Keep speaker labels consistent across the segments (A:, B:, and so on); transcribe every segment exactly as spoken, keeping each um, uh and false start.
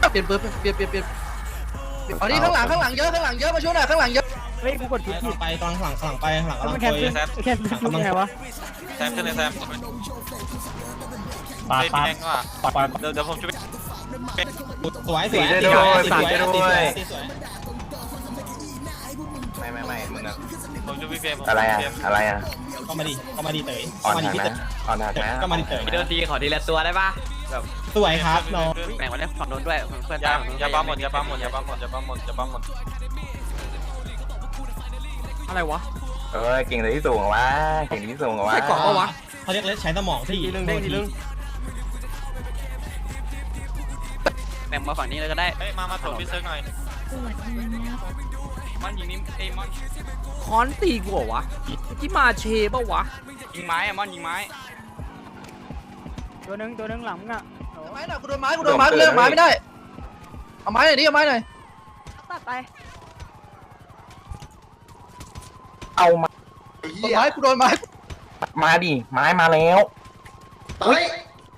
A: เปลี่ยนปืนเปลี่ยนเปลี่ยนเปลี่ยนอันนี้ข้างหลังข้างหลังเยอะข้างหลังเยอะมาช่วยหน่อยข้างหลังเยอะ
B: เฮ้ยกูกดผิดผิด
C: ไปตอนหลังหลังไปหลัง
B: มันแคนเซิลแคนเซิลยังไงวะ
D: แซมขึ้นเลยแซม
C: ปาด
D: ไม่
C: ปาด
D: แดงก็
C: ปาดปาด
D: เดี๋ยวเดี๋ยวผมช่วย
C: สวยสวย
E: ได้ด้วยสาดได้ด้วย
C: สวย
E: ไม่ไม่ไม่มึงอะ
D: ผมช่วยพี่เฟรม
E: อะไรอะอะไรอะ
C: ก็มาดิก็มาดิเต๋ย
E: อ่อน
C: ก็มาดิ
E: หัก
C: พี่
E: นะ
C: เต๋ย
E: อ่อนหักนะ
C: ก็มาดิเต๋ย
F: เดินทีขอทีละตัวได้ปะแบบ
C: สวยครับน้อง
F: แบ่งมาได้ฝั่งโน้นด้วยเพื่อน
D: อย่า
F: ตาม
D: อย่าปั๊มหมดอย่าปั๊มหมดอย่าปั๊มหมดอย่าปั๊มหมดอย่าปั๊มหมด
B: อะไรวะ
E: เออเก่งเลยที่สูงเหรอวะเก่งที่สูงเหรอวะ
B: ใส่กรอบปะวะ
C: เขาเรียกเล่นใช้สมองที่
B: ทีนึงเด้งทีนึง
F: แบ่งมาฝั่งนี้เลยก็ได้
D: เฮ้ยมามาตรวจพี่เซิร์ฟหน่อยมันยิงนี่เอ้มอน
B: คอนตีกูเหรอวะที่มาเชปะวะ
D: ยิงไม้อะมอนยิงไม้
B: ตัวนึงตัวนึงหลังมึงอ่ะ
A: ไม้หน่อยกูโดนไม้กูโดนไม้เลือกไม้ไม่ได้เอาไม้หน่อยดิเอาไม้หน่อย
B: ตัดไป
E: เอามา
A: โดนไม้กูโดนไม้
E: มาดิไม้มาแล้ว
G: เฮ้ย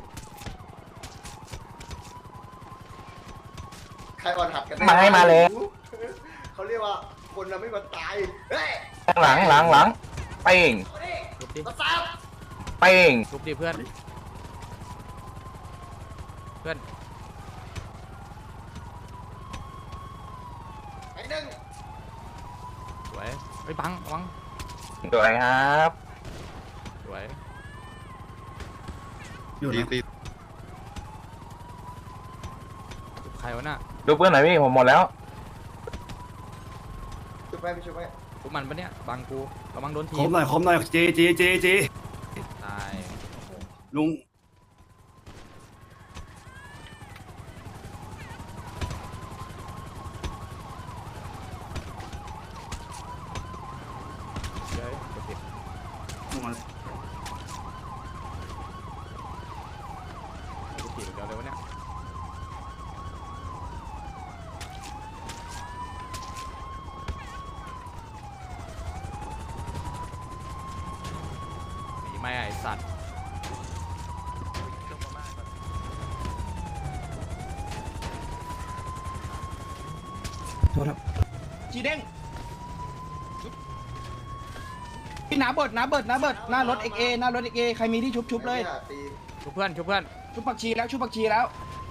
G: ใครอ่อนหัดกัน
E: ไม้มาแล้ว
G: เขาเรียกว่าคนเราไม่มาตายเฮ้ย
E: หลังหลังหลังเป้ง
B: ลุกดิ
G: มาซับ
E: เป้ง
B: ลุกดิเพื่อนเพื่อน
G: ไอ้หนึ่ง
B: สวยไปบังบัง
E: สวยครับ
B: สวย
G: อยู่นะ
B: ใครวะน่ะ
E: ดูเพื่อนหน่อยพี่ผมหมดแล้ว
G: ช่วยไปไม่ช่วยไป
B: พวกมันปะเนี่ยบังกูระวังโดนที
H: คมหน่อยคมหน่อยเจเจเจเจ
B: ตาย
H: ลุง
B: เฮ้ยกดผิดกดผิดเดี๋ยวเลยวะเนี่ยหนีไม่ไอ้สัตว์
C: จีเด้งพี่น้าเบิดน้าเบิดน้าเบิดหน้ารถเอ็กเอหน้ารถเอ็กเอใครมีที่ชุบชุบเลย
G: ตี
B: ชุบเพื่อนชุบเพื่อน
C: ชุบผักชีแล้วชุบผักชีแล้ว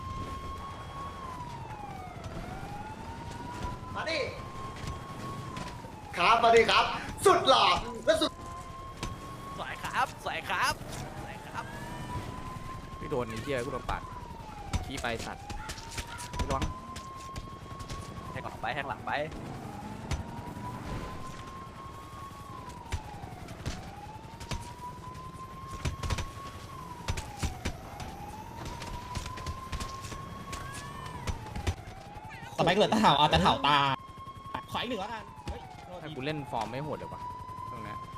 G: มาดิครับมาดิครับ สุดหล่อและสุด
F: สวยครับสวยครับสวยครับ
B: พี่โดนไอ้เหี้ยกูโดนปาดขี้ไปสัตว์พี่ร้อง
F: แทงหลังไปแทงหลังไป
C: ต่อไปก็เหลือตะเถาเอาตะเถาตาขออีกหนึ่งแล้วกันเฮ้ยโทษ
B: ถ้า
C: ที
B: กูเล่นฟอร์มไม่โหดเลยวะตรงเนี้ย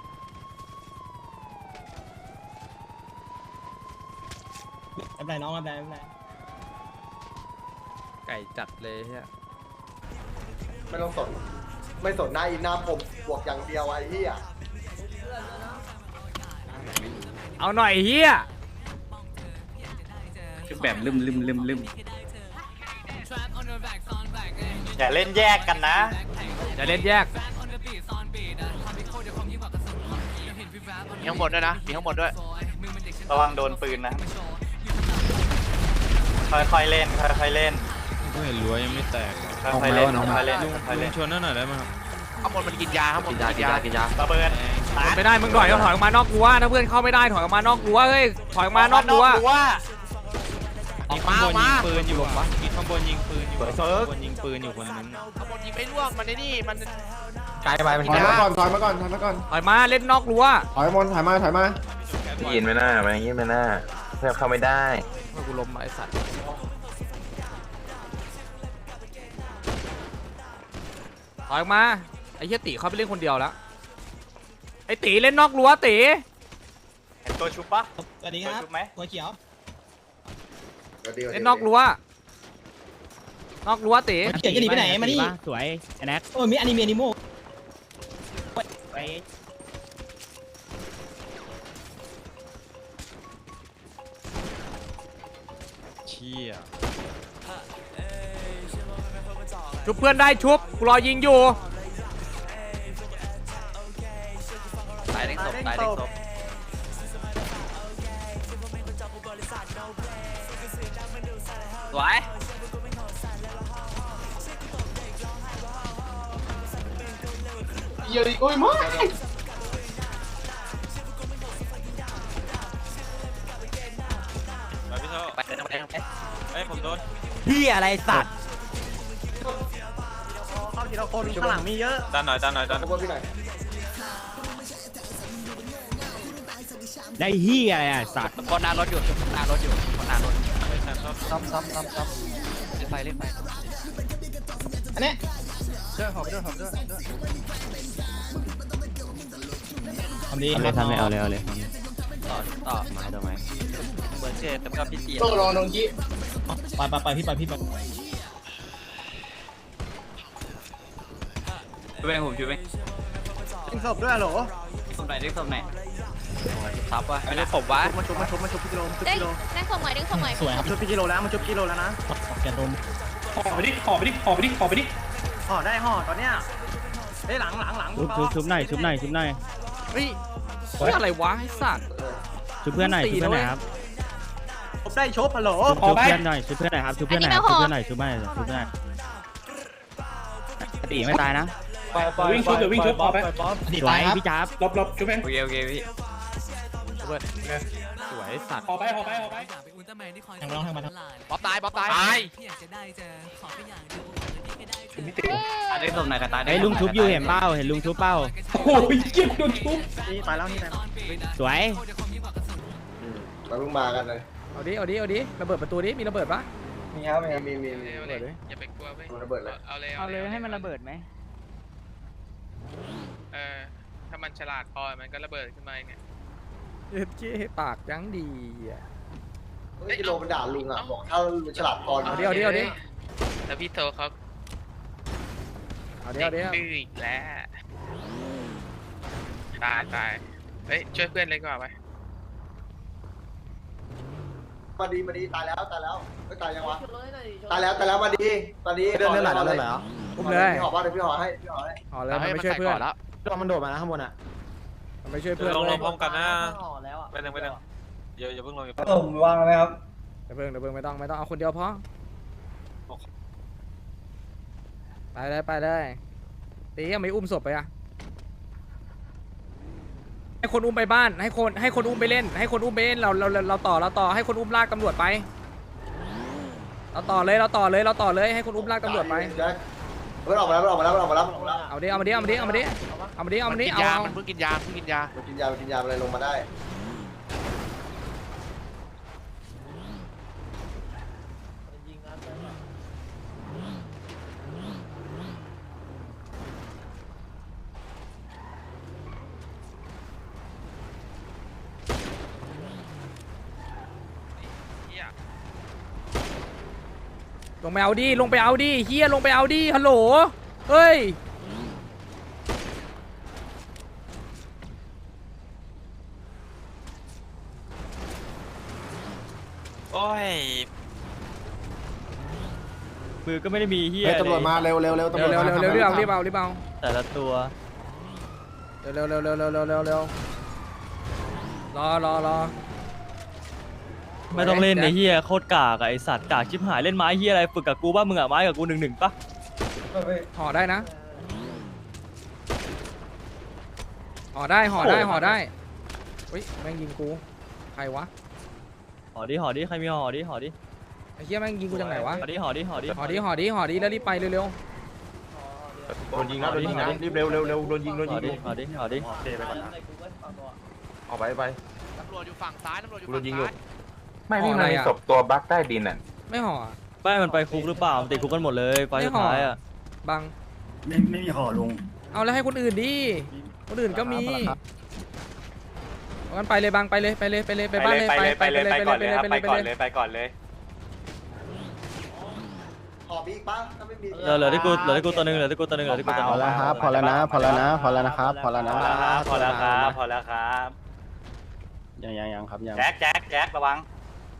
C: ไม่เป็นไรน้องไม่เป็นไรไม่เป็นไร
B: ไก่จัดเลยเฮีย
G: ไม่ต้องสนไม่สนหน้าอินหน้าผมบวกอย่างเดียวไอ้เหี้ย
B: เอาหน่อยเฮีย
F: แบบลืมลืมลืมลืม
D: อย่าเล่นแยกกันนะ
B: จะเล่นแยก
F: มีข้างบนด้วยนะมีข้างบนด้วย
D: ระวังโดนปืนนะค่อยๆเล่นค่อยๆเล่น
I: ก็เห็นรั้วยังไม่แตก
D: ค่อยๆเล่นค่อยๆเล่นค่อยๆ
I: ลุ
D: เล่
I: ง
D: น
I: ชวนนั่นหน่อยได้ไหมครับ
F: ข้างบนมันกินยาข้างบนกินยากินยากินยา
D: ระเบิด
B: ไม่ได้มึงถอยก็ถอยออกมานอกรั้วถ้าเพื่อนเข้าไม่ได้ถอยออกมานอกรั้วเฮ้ยถอยออกมานอกรั้ว
I: มีข้างบนยิงปืนอยู่วะมีข้างบนยิงปืนอยู่ข้างบนยิงปืนอยู่คนนึง
F: ข้างบนยิงไม่ร่วงมันในนี่มัน
E: ไกลไปมัน
G: ถอยมาก่อนถอยมาก่อนถอยมาก่อน
B: ถอยมาเล่นนอกรั้ว
G: ถอยมนถอยมาถอยมา
E: ยินไม่น่ามันยินไม่น่าเพื่อนเข้าไม่ได้
B: เมื่อกูล้มไอ้สัตว์ถอยออกมาไอ้เหี้ยตีเขาไปเล่นคนเดียวแล้วไอ้ตีเล่นนอกรั้วตี
D: เห็นตัวชุบปะ
C: สวัสดีครับ
D: ชุบไหม
C: หัวเขียว
B: เล่นนอกรั้วนอกรั้วตี
C: หัวเขียวจะหนีไปไหนมานี่
B: สวยไอ้แน็ก
C: โอ้ยมีอนิเมะนิโมไป
I: เชี่ย
B: ชุบเพื่อนได้ชุบกูรอยิงอยู่
F: ตายเด้งศพตายเด้งศพ สวย
G: เยอะดิโอ้ยมา
I: ไปพี่โชค
F: ไปเดินไปเดินไป
I: เฮ้ยผมโดน
A: พี่อะไรสัตว์
F: เข้าทีละคนข้างหลังมีเยอะ
I: ดันหน่อยดันหน่อยดัน
G: ขบวนพี่หน่อย
A: ได้เฮียอะไรอ่ะสัตว์
F: คนหน้ารถอยู่คนหน้ารถอยู่คนหน้ารถ
I: ไม่ทันชอบ
A: ซ้ำซ้ำซ้ำซ้ำ
F: เล่นไฟเล่นไฟ
C: อันนี้
A: เด้อหอบเด้อหอบเด้อ
C: ทำดี
A: เอาเลยทำเลยเอาเลยเอาเลย
F: ต่อต่อ
A: ไม้ต่อไม้
F: เหมือนเช่แต่ก็พี่เตีย
C: ต้องรอน้องกี้ไปไปไปพี่ไปพี่ไป
I: ช่วยผมช่วย
A: ยิงศพด้วยเหรอ
F: ศพไหนเด้งศพไหนทับวะไม่ได้ศพวะ
A: มาชุบมาชุบมาชุบพี่กิโลชุบ
J: ได้
A: กิโล
J: ได้ส่งหน่อยได้ส่งหน่อย
C: สวยครับ
A: ชุบพี่กิโลแล้วมาชุบกิโลแล้วนะ
C: แกนดมห่อไปดิห่อไปดิห่อไปดิห่อไปดิ
A: ห่อได้ห่อตอนเนี้ยเฮ้ยหลังหลังหลัง
K: ชุบชุบชุบหน่อยชุบหน่อยชุบหน่อย
B: เฮ้ยเฮ้ยอะไรวะไอ้สัตว์
K: ชุบเพื่อนหน่อยชุบเพื่อนหน่อยครับ
A: ชุบได้ชุบฮัลโหล
K: ชุบชุบเพื่อนหน่อยชุบเพื่อนหน่อยครับชุบเพื่อนหน่อยครับชุบเพื่อนหน่อยชุบเพื่อนหน่อยชุบเพื่อนหน่อยตีไม่ตายนะ
C: วิ่งชุบเดี๋ยววิ่งชุบห่อไปดี
K: สว
C: ตาย
K: ย
C: ครับ
K: พี่จ๊าบ
C: หลบหลบชุบเอง
I: โอเคโอเคพี่
B: สวยไอ้สัตว์
C: ห่อไปห่อไปห่อไปทางมาลองทางมาทาง
F: บ๊อบตายบ๊อบตาย
B: ตาย
F: ตายเด้งศพไหนกันตาย
K: ไอ้ยลุงชุบอยู่เห็นเป้าเห็นลุงชุบเป้า
C: โอ้ยเจ็บโดนชุบ
A: นี่ไปแล้วนี่ไปแล้ว
K: สวย
G: เราเพิ่งมากันเลย
B: เอาดิเอาดิเอาดิระเบิดประตูดิมีระเบิดปะ
G: มีครับมีมีมีมี
B: ระเบิดดิ
I: อย่าไปกลัวไป
G: ระเบิดเลย
I: เอาเลย
K: เอาเลยให้มันระเบิดไหม
I: เออถ้ามันฉลาดพอมันก็ระเบิดขึ้นมาไง
B: เย็ดเจ๊ปากยังดีอ่ะ
G: เฮ้ยกิโลมันด่าลุงอ่ะบอกถ้าลุงฉลาดพอ
B: เอาดิเอาดิเอาดิ
I: แล้วพี่โทเขา
B: เอาดิเอาดิเอา
I: ดื้ออีกแล้วตายตายเฮ้ยช่วยเพื่อนเลยดีกว่าไป
G: มาดีมาดีตายแล้วตายแล้วไม่ตายยังวะตายแล้วตายแล้วมาดีตอนนี้เดินเดินไหลเดินไหลเหรอ
B: อุ้มเลย
G: พี่หอว่าเดี๋ยวพี่หอให้พี่หอให้
B: ห่อเลยมันไม่ช่วยเพื่อน
A: ตัวมันโดดมานะข้างบนอ่ะ
B: มันไม่ช่วยเพื่อน
I: ลง
B: เล
I: ล
B: ย
I: งพร้อมกันนะไปหนึ่งไปหนึ่งอย่าอย่าเพิ่งลงอย่าเพิ่งลง
G: ผมวางไหมครับ
B: เดี๋ยวเพิ่งเดี๋ยวเพิ่งไม่ต้องไม่ต้องเอาคนเดียวพอไปเลยไปเลยตียังไม่อุ้มศพไปอ่ะให้คนอุ้มไปบ้านให้คนให้คนอุ้มไปเล่น ให้คนอุ้มไปเล่นเราเราเราเราต่อเราต่อให้คนอุ้มลากตำรวจไปเราต่อเลยเราต่อเลยเราต่อเลยให้คนอุ้มลากตำรวจไป
G: แจ็คมันออกมาแล้วมันออกมาแล้วมันออกมาแล้วมันออกมาแล้ว
B: เอาดิเอามาดิเอามาดิเอามาดิเอามาดิเอามาดิเอาเอา
F: มันเพิ่งกินยาเพิ่งกินยา
G: มันกินยามันกินยาอะไรลงมาได้
B: ลงไปเอาดิลงไปเอาดิเฮียลงไปเอาดิฮัลโหลเฮ้ย
I: โอ้ย
K: มือก็ไม่ได้มีเฮีย
G: ตำรวจมาเร็วเร็วเร็วตำร
B: เร็
G: ว
B: ว
G: จ
B: เร็ว
G: มา
B: เร็วเร็วรีบเอารีบเอารีบเอา
K: แต่ละตัว
B: เร็วเร็วเร็วเร็วเร็วเร็วเร็วเร็วรอรอรอ
K: ไม่ต้องเล่นในเฮียโคตรกากอะไอสัตว์กากชิบหายเล่นไม้เฮียอะไรฝึกกับกูบ้ามึงอะไม้กับกูหนึ่งหนึ่งปะ
B: ห่อได้นะห่อได้ห่อได้ห่อได้เฮ้ยแม่งยิงกูใครวะ
K: ห่อดิห่อดิใครมีห่อดิห่อดิ
B: ไอ้เหี้ยแม่งยิงกูจากไหนวะ
K: ห่อดิห่อดิห่อดิ
B: ห่อดิห่อดิห่อดิแล้วรีบไปเร็ว
E: โดนยิงครับโดนยิงนะรีบเร็วเร็วเร็วโดนยิงโดน
K: ห่
E: ยิ
K: อง ดิห่อดิห่อดิ
E: โอเคไปก่อนนะออกไปไป
F: ตำรวจอยู่ฝั่งซ้ายตำรวจอยู่
E: กูโด
F: ฝั่
E: น
F: ง
E: ยิงอยู่
F: ซ้าย
E: ไม่พี่มันมีศพตัวบั๊กใต้ดินอ่ะ
B: ไม่ห่อ
K: ไม่มันไปคุกหรือเปล่ามันติดคุกกันหมดเลยไฟสุดท้ายอะ
B: บัง
H: ไม่ไม่มีห่อลุง
B: เอาแล้วให้คนอื่นดิคนอื่นก็มีงั้นไปเลยบังไปเลยไปเลยไปเลยไป
D: ไป
B: บ้าน
D: เล
B: เลย ย
D: ไปเลยไปเลยไปก่อนเลยครับ
B: ไป
D: ไป
B: เลย
D: ก่อน
B: ไป
D: เล
B: เลย
D: ยไปก่อนเลย
G: ขอบีอีกป้าถ้าไม่มี
K: เหลือเหลือที่กูเหลือที่กูตัวหนึงเหลือที่กูตัวหนึงเหลือที่กูตัวหนึง
G: พอแล้วครับพอแล้วนะพอแล้วนะพอแล้วนะครับพอแล้วนะ
D: พอแล้วครับพอแล้วครับพอแล้วครับ
G: ยังยังยังครับยัง
D: แจ็คแจ็คแจ็คระวัง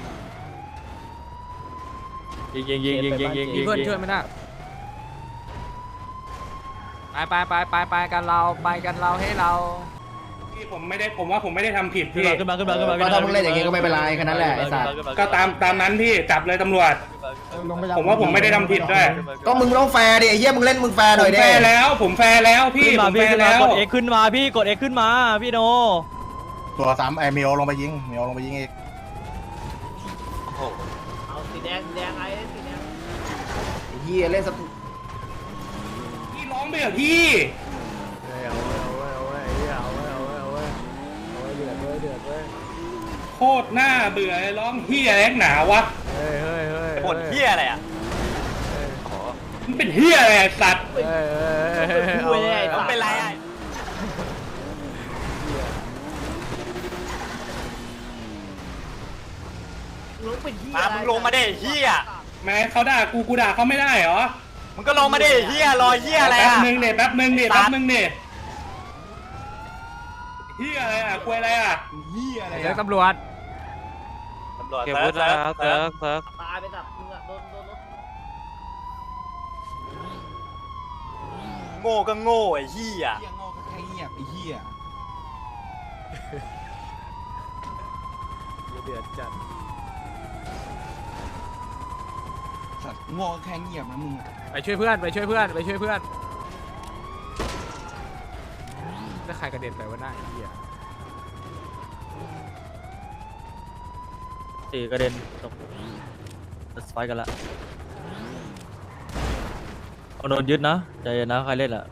K: ยิงยิงยิงยิงยิงยิง
B: มีเพื่อนช่วยไม่ได้ไปไปไปไปไปกันเราไปกันเราให้เรา
I: พี่ผมไม่ได้ผมว่าผมไม่ได้ทำผิด
K: ขึ้น
I: พี่
K: มาขึ้นมาขึ้นมาขึ้นมา
A: ก็ถ้ามึงเล่นอย่างงี้ก็ไม่เป็นไรแค่นั้นแหละไอ้สัตว์
I: ก็ตามตามนั้นพี่จับเลยตำรวจ ผมว่าผมไม่ได้ทำผิดด้วย
A: ก็มึงต้องแฟร์ดิไอ้เหี้ยมึงเล่นมึงแฟร์ห
I: ผ
A: น่อย
I: ม
A: ดิ
I: แฟร์แล้วผมแฟร์แล้วพี่
K: ขึ้น
I: ผ
K: มาม
I: แฟ
K: พี่
I: ร์
K: ขึ้นมา
I: แล้ว
K: กด X ขึ้นมาพี่กด X ขึ้นมาพี่โน
H: ตัวสามไอเมลลงไปยิงเมลลงไปยิงอีก
F: เอาสีแดงสีแดงไอ้สีแดง
A: ไอ้เหี้ยเล่นสตู
I: พี่ร้องไปเหรอพี่โคตรหน้าเบื่อเลยร้องเฮียแรงหนาวะ
D: บ่นเหี้ยอะไรอ่ะ
I: มันเป็นเฮียอะไรอะสัตว์
F: คุยเลยไอ้
D: แล้ว
F: สัตว์
D: เป็นไรอ่ะ
F: ลุงเป็นเหี้ย
D: มามึงลงมาดิเหี้ย
I: แม้เขาด่ากูกูด่าเขาไม่ได้เหรอ
D: มึงก็ลงมาดิเหี้ยรอเหี้ยอะไร
I: แป๊บ
D: อ่ะ
I: นึงเด็แป๊บนึงเด็
D: สั
I: แป๊
D: ตว์
I: บนึงเด็เฮียอะไรอ่ะคุยอะไรอ่ะ
B: เดี๋ยวตำรวจ
D: ตำรวจ
J: เก็บ
D: เซิ
J: วุ
D: ร์
J: ฒิ
D: ฟเซิ
J: แล้
D: ร์
J: ว
D: ฟ
J: เซิ
D: เซิร์
J: ร์
D: ฟ
J: ฟเซิร์ฟ
F: ตายไปแบบมึงอะโดนโดนรถ
D: โง่ก็โง่ไอ้เหี้ย
C: โง่ก็แค่เงียบไอ้เหี้ย
B: เดือดจัด
C: สัตว์โง่ก็แค่เงียบนะมึง
B: ไปช่วยเพื่อนไปช่วยเพื่อนไปช่วยเพื่อนแล้วใครกระเด็นไปวะหน้าไอ้เหี้ย
K: ตีกระเด็นตกสไปกันละเอาโดนยึดนะใจเย็นนะใครเล่นอ่ะ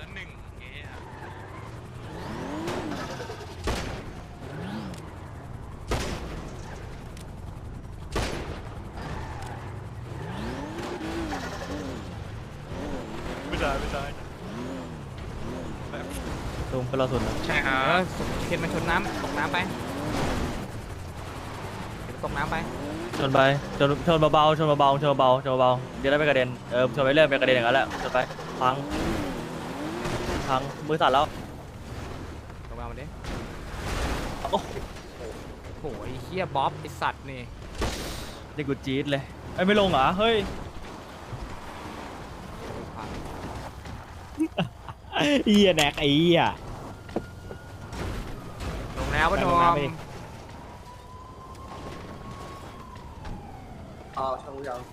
J: ไม่ได้ไม่ได้
K: ลุงเป็นเราสุดนะ
I: ใช่ครั
B: เอบ อเข็นมันชนน้ำตกน้ำไปเข็นตกน้ำไป
K: ชนไปชนชนเบาๆชนเบาๆชนเบาๆชนเบาๆเดี๋ยวได้ไม่กระเด็นเออชนไปเรื่อยไปกระเด็นอย่างนั้นแหละชนไปพังพังมือสั่นแล้ว
B: ลงมามันดิโอ้โหไอ้เหี้ยบ๊อบไอ้สัตว์นี่
K: นี่กูจี๊ดเลยไอ้ยไม่ลงเหรอเฮ้ยเหี้ยแนกไอ้เหี้ย
B: ลงแล้วปะนอม
G: อ๋อช่างยัง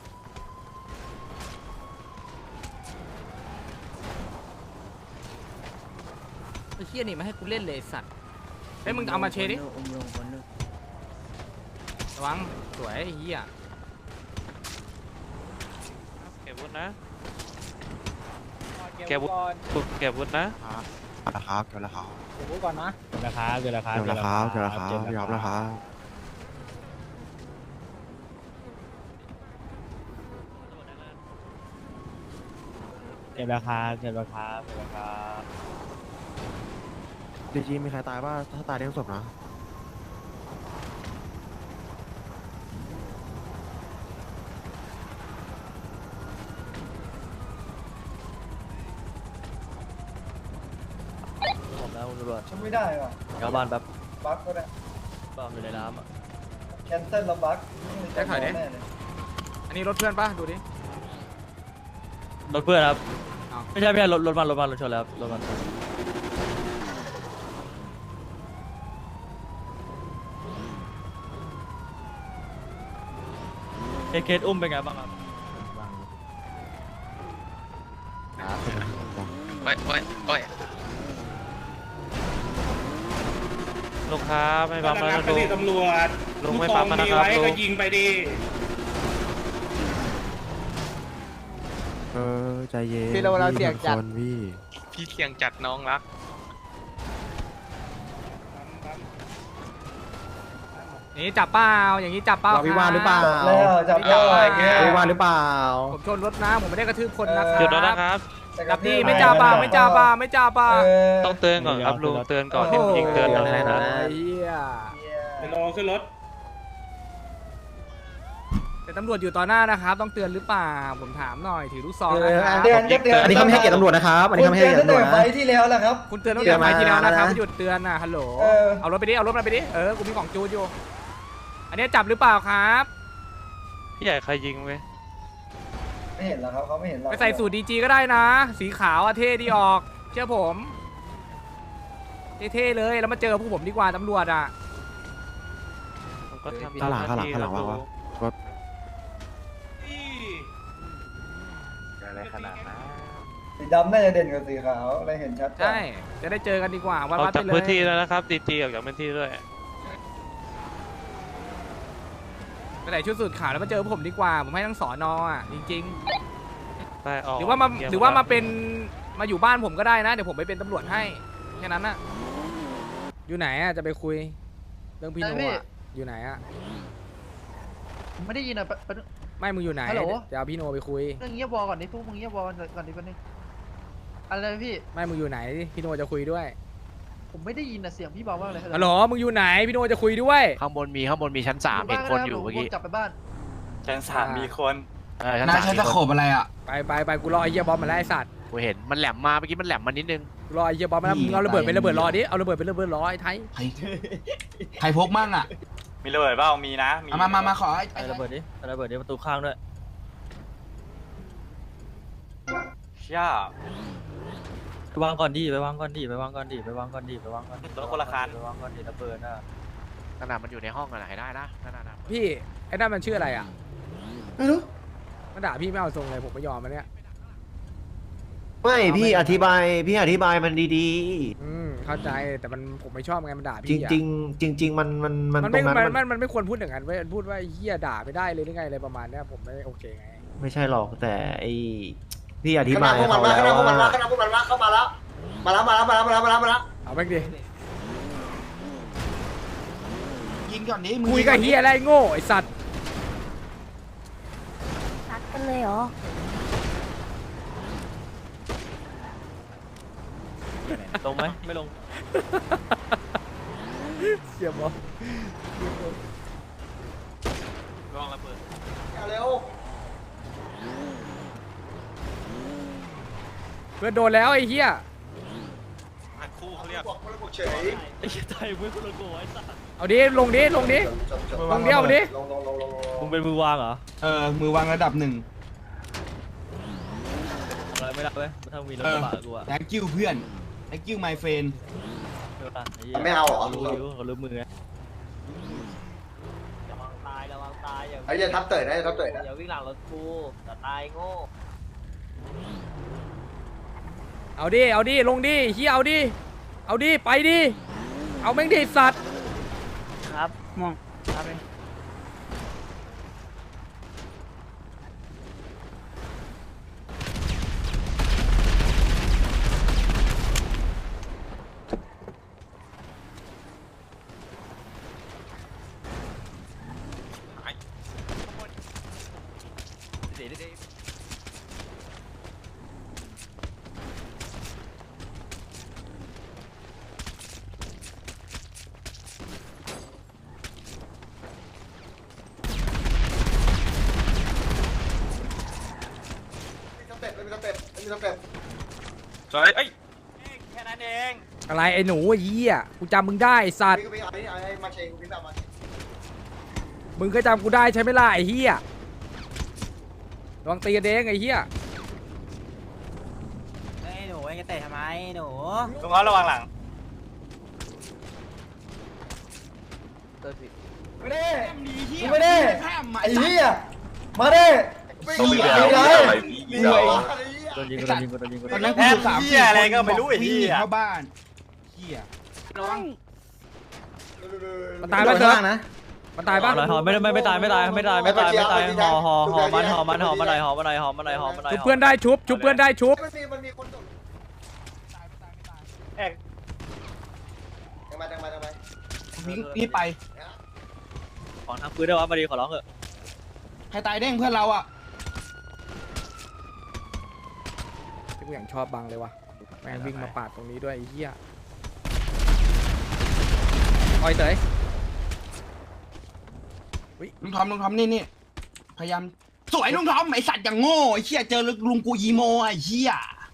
B: ไอ้เหี้ยนี่มาให้กูเล่นเลยไอ้สัตว์
I: ใจ
B: ฮ้ยมึงเอามาเชดิระวังสวยไอ้เหี้ย
I: เก็บวุฒินะเก็บวุฒิเก็บวุฒินะ
H: ราคาเกินราคา
K: ราคาเกินราคา
H: เกินราคาเกินราคายอมราคา
K: เก็บราคาเก็บราคาเก็บราคา
H: ดีจีมีใครตายป่ะถ้าตายเลี้ยงศพนะ
K: ผมแล้วตำรวจ
G: ฉันไม่ได้ว่ะ
K: กลับบ้านแบบ
G: บั๊กก็ได้
K: บ้านอยู่ในน้ำอ่ะ
G: แคนเซิลแล้วบั๊ก
B: ได้ถ่ายดิอันนี้รถเพื่อนปะดูดิ
K: รถเพื่อนครับ
B: อ้าว
K: ไม่ใช่ไม่ใช่รถรถมันรถมันรถชนแล้วรถมันเคสเคสอุ้มเป็นไงบ้างครับ
F: โอ้ยโอ้ยโอ้ย
I: ลุงครับไม่ปั๊มแล้วนะลุง
C: ตำรวจ
I: ลุงไม่ปั๊มแล้วนะครับลุง
C: ยิงไปดิ
H: เออใจเย็น
A: พี่เราเราเสี่ยงจัด
H: คนพี่
F: พี่เสียงจัดน้องรัก
B: นี่จับเปล่าอย่างนี้จับเปล่า
A: เราวิวาทหรือเปล่า
G: แล้วจับได้
A: วิวาทหรือเปล่า
B: ผมชนรถนะผมไม่ได้กระทืบคนนะค
I: หยุด
B: รั
I: แล้ว
B: บ
I: นะครับ
B: จับดีไม่จับเปล่าไม่จับเปล่าไม่จับเปล่า
I: ต้องเตือนก่อนครับลุงเตือนก่อนที่ยิงเตือนก่อนเลยนะ
B: ไอ้เหี้ย
C: รอขึ้นรถ
B: แต่ตำรวจอยู่ต่อหน้านะครับ ต้องเตือนหรือเปล่าผมถามหน่อยถือลูกซองนะครั
G: เตือน
B: บ
G: เตือน
A: อันนี้เขาไม่ให้เกียรติตำรวจนะครับอันนี้เขาไม่ให้เกียรติตำรวจนะ
G: ไฟที่แล้วแหละครับ
B: คุณเตือนตั้งแต่ไฟล์ที่แล้วนะครับ
A: เตือนมานะ
B: หยุดเตือนนะฮัลโหล
G: เออ
B: เอารถไปดิเอารถมาไปดิเออกูมีของจูนอยู่ อันนี้จับหรือเปล่าครับ
I: พี่ใหญ่ใครยิงไหม
G: ไม่เห็นหรอกครับเขาไม่เห็นหรอก
B: ไปใส่สูตรดีจีก็ได้นะ สีขาวอะเท่ดีออกเชื่อผมเท่ๆเลยแล้วมาเจอพวกผมดีกว่าตำรวจอ่ะ
I: ผมก็ทำ
H: ข้างหลัง
I: ตม
H: ข้างหลัง
I: ที่
H: ข้างหลัง
I: แล้
H: ว่าว วะ
E: อะไรขนาดนั้น
G: สีดำน่าจะเด่นกว่าสีขาวอะไรเห็นชัดกว่า
B: ใช่จะได้เจอกันดีกว่าวัด
I: ออก
B: วัด
I: จาก
B: ไปเล
I: พื้นที่
B: ย
I: แล้วนะครับดีจีออกจากพื้นที่ด้วย
B: ไปไหนชุดสูตรขาวแล้วมาเจอพวกผมดีกว่าผมให้ทั้งสอนอ่ะจริง
I: ไปออก
B: ๆหรือว่ามา
I: เกีย
B: หรือว่ามาเป็นมาอยู่บ้านผมก็ได้นะเดี๋ยวผมไปเป็นตำรวจให้แค่นั้นน่ะอยู่ไหนอ่ะจะไปคุยเรื่องพี่โนอ่ะอยู่ไหนอ่ะ
A: ไม่ได้ยินอ่ะ
B: ไม่มึงอยู่ไหน
A: ฮัลโหล
B: จะเอาพี่โนไปคุย
A: เรื่องเงียบวอลก่อนดิพวกมึงเงียบวอลก่อนดิแป๊บนึงอะไรพี่
B: ไม่มึงอยู่ไหนพี่โนจะคุยด้วย
A: ผมไม่ได้ยินอ่ะเสียงพี่เบามากเลย
B: ฮัลโหลมึงอยู่ไหนพี่โนจะคุยด้วย
F: ข้างบนมีข้างบนมีชั้นสามเห็นคนอยู่เมื่อกี้
A: กลับไปบ้าน
D: ชั้นสามมีคน
F: เออชั้นสามมีคน
B: ไปไปไปกูรอไอ้เหี้ยบอมมาไล่ไอ้สัตว์
F: กูเห็นมันแหลมมาเมื่อกี้มันแหลมมานิดนึง
B: กูรอไอ้เหี้ยบอมมาแล้วมึงเอาระเบิดไประเบิดรอดิเอาระเบิดไประเบิดรอไอ้ไทย
K: ใครพกมั่งอ่ะ
D: มีระเบิดเปล่ามีนะ
K: มามามาขอไอ้ระเบิดดิระเบิดดิประตูข้างด้วย
D: เชี่ยว
K: างก่อนดิไปวางก่อนดิไปวางก่อนดิไปวางก่อนดิไปวางก่อนดิ
D: รถคนละคัน
K: ไปวางก่อนดิระเบิดอ่ะ
F: ขนาดมันอยู่ในห้องอะไหนได้นะขนาดนั้น
B: พี่ไอ้นั่นมันชื่ออะไรอ่ะ
G: ไม่รู้
B: มันด่าพี่ไม่เอาทรงเลยผมไม่ยอมมันเนี่ย
A: ไม่พี่อธิบายพี่อธิบายมันดี
B: อืมเข้าใจแต่มันผมไม่ชอบไงมันด่า
A: ๆ จ
B: พี่อะ
A: ริงๆ จริง ๆ มันมันมัน
B: มัน
A: ตร
B: ไม่
A: งนั้น
B: มัน
A: มั
B: มัน นมันไม่ควรพูดอย่างนั้นเว้ยพูดว่าไอ้เฮียด่าไม่ได้เลยหรือไงอะไรประมาณเนี้ยผมไม่โอเคไง
A: ไม่ใช่หรอกแต่ไอพี่อธิ
G: ข
A: บา
G: นาด
A: ย
G: พวกมัน
A: เขา
G: มาข
A: แล้
G: นาด
A: ว
G: พวกมันมา
A: ว่า
G: ขนาดพวกมันมาเข้ามาแล้วมาแล้วมาแล้วมาแล้วมาแล้วมาแล้วมาแล้ว
B: เอาแม่งดิ
K: ยิงก่อนดิ
B: คุยกับเฮียอะไรโง่ไอ้สัตว์
L: รักกันเลยเหรอ
K: ลงไหมไม่ลง
B: เสียบอ
F: ลองระเบิด
G: เร็ว
B: เพื่อนโดนแล้วไอ้เฮีย
F: หันคู่เขาเรียก
G: บอกคนละบอกเฉย
K: ไอ้ไทยมือคนละโกไอ้สัส
B: เอาดิลงดิลงดิ
G: จบจบ
B: ลงเดียวดิ
G: ลงลงลงลง
K: มึงเป็นมือวางเหรอ
J: เออมือวางระดับหนึ่ง
K: อะไรไม่ได้เว้ยถ้ามีรถกระบะกูอะ
J: thank you เพื่อน thank you my friend
G: ไม่เอาเหรอ
K: รู้อยู่เขารู้มือไงระวังตายระวังตายอย่า
G: ไอ้เหี้ยทับเตยนะทับเตยนะ
K: อย่าวิ่งหลังรถกูจะตายโง่
B: เอาดิเอาดิลงดิเฮียเอาดิเอาดิไปดิเอาแม่งดิสัตว์
K: ครับม่วงครับเอง
G: มีสเต็ปมีสเต็ปมีสเต็ป
D: จอยเอ้ย
F: แค่นั้นเอง
B: อะไรไอ้หนูไอ้เหี้ยกูจำมึงได้ไอ้สัตว์
G: พี่ก็พี่เอาไอ้ไอ้มาเชงพี่แบบมา
B: มึงก็จำกูได้ใช่ไหมล่ะไอ้เหี้ยลองตีกันเองไอ้เหี้ย
K: ไอ้หนูไอ้เตะทำไมหนู
D: ลุงเขาระวังหลัง
G: ไม่ได้ไม่ได้ไอ้เหี้ยมาดิ
E: ต้องไปเอาอะไรพี่เรา
K: โดนยิงโดนยิงโดนยิง
D: ตอนนั้นกูอยู่สามเหี้ยอะไรก็ไม่รู้ไอ้เหี้ยเข้าบ้าน
B: มันตายปะเถอะมันตายปะ
K: หอไม่ไม่ไม่ตายไม่ตายไม่ตายไม่ตายไม่ตายหอหอหอมันหอมันหอมันไหนหอมันไหนหอมันไหนหอมันไหน
B: ชุบเพื่อนได้ชุบชุบเพื่อนได้ชุบ
G: มันมีมันมีคนโดด
D: แอก
G: ยังมายังมายังมา
C: พี่ไป
K: ขอทางปืนได้วะมาดีขอร้องเถอะ
C: ใครตายเด้งเพื่อนเราอ่ะ
B: ที่กูอย่างชอบบังเลยวะแม่งวิ่งมาปาดตรงนี้ด้วยไอ้เหี้ยออยเต๋ย
C: ลุงทอมลุงทอมนี่นี่พยายามสวยลุงทอมไอสัตว์อย่างโง่ไอเชี่ยเจอลุงกูยีโมไอเชี่ย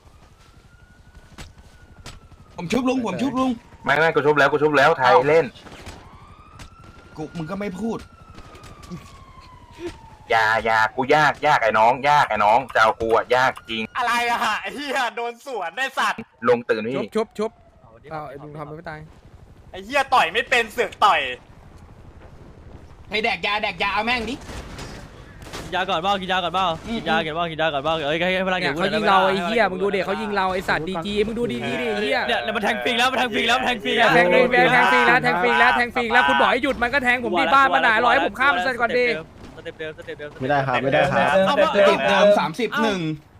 C: ผมชุบลุงผมชุบลุง
E: ไม่ไม่กูชุบแล้วกูชุบแล้วไทยเล่น
C: กูมึงก็ไม่พูด
E: อย่าอย่ากูยากยากไอ้น้อง ยากไอ้น้องจะเอากูอะยากจริง
D: อะไรอะฮะไอ้เหี้ยโดนสวนได้สัตว์
E: ลงตื่น
B: ชุ
E: พี่
B: บชุบชุบเอาไอ้ลุงทำมันไม่ตาย
D: ไอ้เหี้ยต่อยไม่เป็นเสือกต่อย
C: ให้แดกยาแดกยาเอาแม่งดิ
K: กินยาก่อนบ้ากินยาก่อนบ้ากินยากินบ้ากินยาก่อนบ้าเอ้ยให้พลัง
B: เนี่ยเขายิงเราไอ้เหี้ยมึงดูเด็กเขายิงเราไอ้สัตว์ดีจีมึงดูดีดีดิไอ้เหี้ย
K: เนี่ยมันแทงฟิงแล้วมันแทงฟิงแล้วมันแทงฟิง
B: แทงฟรีแทงฟรีแล้วแทงฟรีแล้วแทงฟรีแล้วคุณบอกให้หยุดมันก็แทงผมดีบ้านมาหนารอให้ผมข้ามเส้นก่อนดิ
K: สเต็ปเดิมสเต็ปเดิม
H: ไม่ได้ครับไม่ได้ครับ
C: เอามาติดเดิมสามสิบหนึ่ง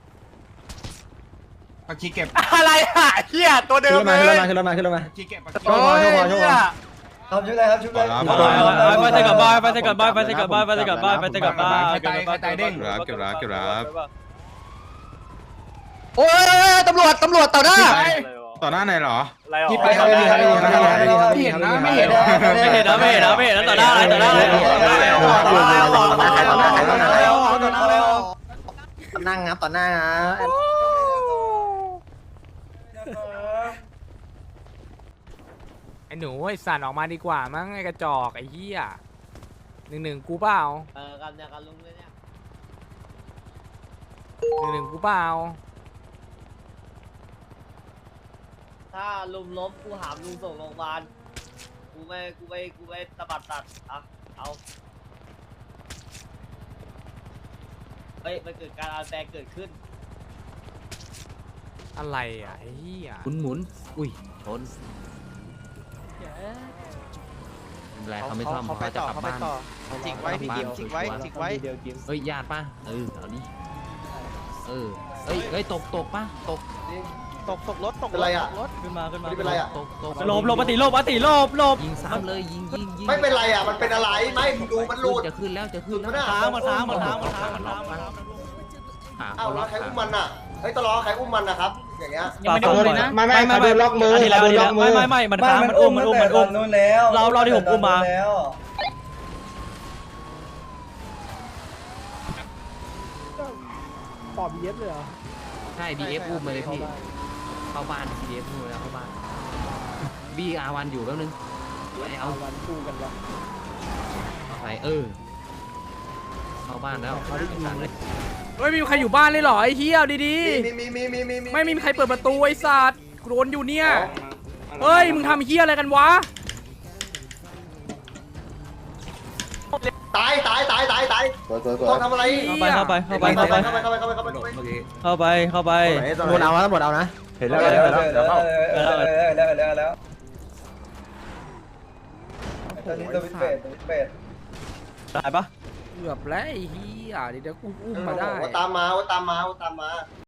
C: ปักชีเก็บ
D: อะไรอะไอ้เหี้ยตัวเดิมเลย
H: ขึ้นรถมาขึ้นรถมา
C: ปักชีเก็บปักชี
D: โอ้ยเหี้ย
G: ทำชุดอะไรครับชุดอะไร
K: ไปเตะกับบ้านไปเตะกับบ้านไปเตะกับบ้านไปเตะกับบ้านไปเตะกับบ้าน
C: ใครตายใครตายเด้ง
J: เก็บรับเก็บรับ
A: โอ้ยตำรวจตำรวจต่อหน้า
J: ต่อหน้าไหนเหรอ
D: อะไรหรอ
C: ที่ไปครับที่ไม่เห็นนะไม่เห็นนะ
K: ไม่เห็นนะไม่เห็นนะไม่เห็นนะต่อหน้าอะไรต่อหน้าอะไร
G: นั่งครับต่อหน้าครับ
B: ไอ้หนูไอ้สัตว์ออกมาดีกว่ามั้งไอ้กระจอกไอ้เหี้ยหนึ่งหนึ่งกูเปล่า
K: เออกันเนี่ยกันลุงเลยเนี่ย
B: หนึ่งหนึ่งกูเปล่า
K: ถ้าลุมล้มกูหามลุงส่งโรงพยาบาลกูไม่กูไม่กูไม่ตะบัดตัดอ่ะเอาเฮ้ยมันเกิดการอาแปรเกิดขึ้น
B: อะไรอ่ะไอ้เหี้ย
F: หมุนหมุนอุ้ยชนอะไรเขาไม่ซ่อมเขาจะกลับบ้าน
I: จิกไว้พี่กิมจิกไว้จิกไว้
F: เฮ้ยญาติป่ะเออเอาดิเออเฮ้ยเฮ้ยตกตกป่ะตก
I: ตกตกรถตก
G: เป็นไรอ่ะ
K: ขึ้นมาขึ้นมา
G: ไม่เป็นไรอ่ะ
F: ตกตก
K: หลบหลบปฏิหลบปฏิหลบหลบ
F: ยิงซ้ำเลยยิงยิงยิง
G: ไม่เป็นไรอ่ะมันเป็นอะไรไม่ดูมันหลุด
F: จะขึ้นแล้วจะขึ้นแล้ว
K: ค้างมันค้างมันค้างมันค้างมันค้างมันค้าง
G: อ้าวแล้วใครอุ้มมันอ่ะเฮ้ยตลอดใครอุ้มมันนะครับอย่างเงี้ย
K: ยังไม่ได้อุ้มเลยนะ
H: ไม่ไม่ไม่โดนล็อกมือ
K: ทีแล้วทีแล้วไม่ไม่ไม่มันค้างมันอุ้มมันอุ้มมันอุ้ม
G: นู่นแล้ว
K: เราเราที่ผมอุ้มมา
F: ใช่บีเอฟอุ้มมาเลยพี่เข้าบ้านบีเอฟอุ้มแล้วเข้าบ้านบีอาวันอยู่แป๊บนึงเอาวันคู่กันแล้วเอาไปเออเข้าบ้านแล้วเอาดิเลย
B: เฮ้ยมีใครอยู่บ้านเลยเหรอไอ้เหี้ยเอาดี
G: มีมีมีมีมีมี
B: ๆไม่มีใครเปิดประตูไอ้สัตว์โดนอยู่เนี่ยเฮ้ยมึงทำเหี้ยอะไรกันวะ
G: ตายตายตายตายตายต้องทำอะไร
K: เข้าไปเข้าไปเข้าไปเข้าไป
G: เข้าไปเข้าไปเข้าไปเข้าไป
K: เข้าไปเข้าไป
H: หมดเอาแล้วหมดเอานะ เห็นแล้วเห็นแล้วเดี๋ยวเข้า
G: แล้วแล้วแล้ว
B: โห
G: ตอนนี้
B: ไอ้
G: ตัวพิ
B: สั
G: เศษ
B: ตว์
G: ตัวพิเศษ
K: ตายปะ
B: เกือบแล้วไอ้เหี้ยเดี๋ยวเดี๋ยวกูอุ้มมาได้
G: ว่าตามมาว่าตามมาว่าตามมา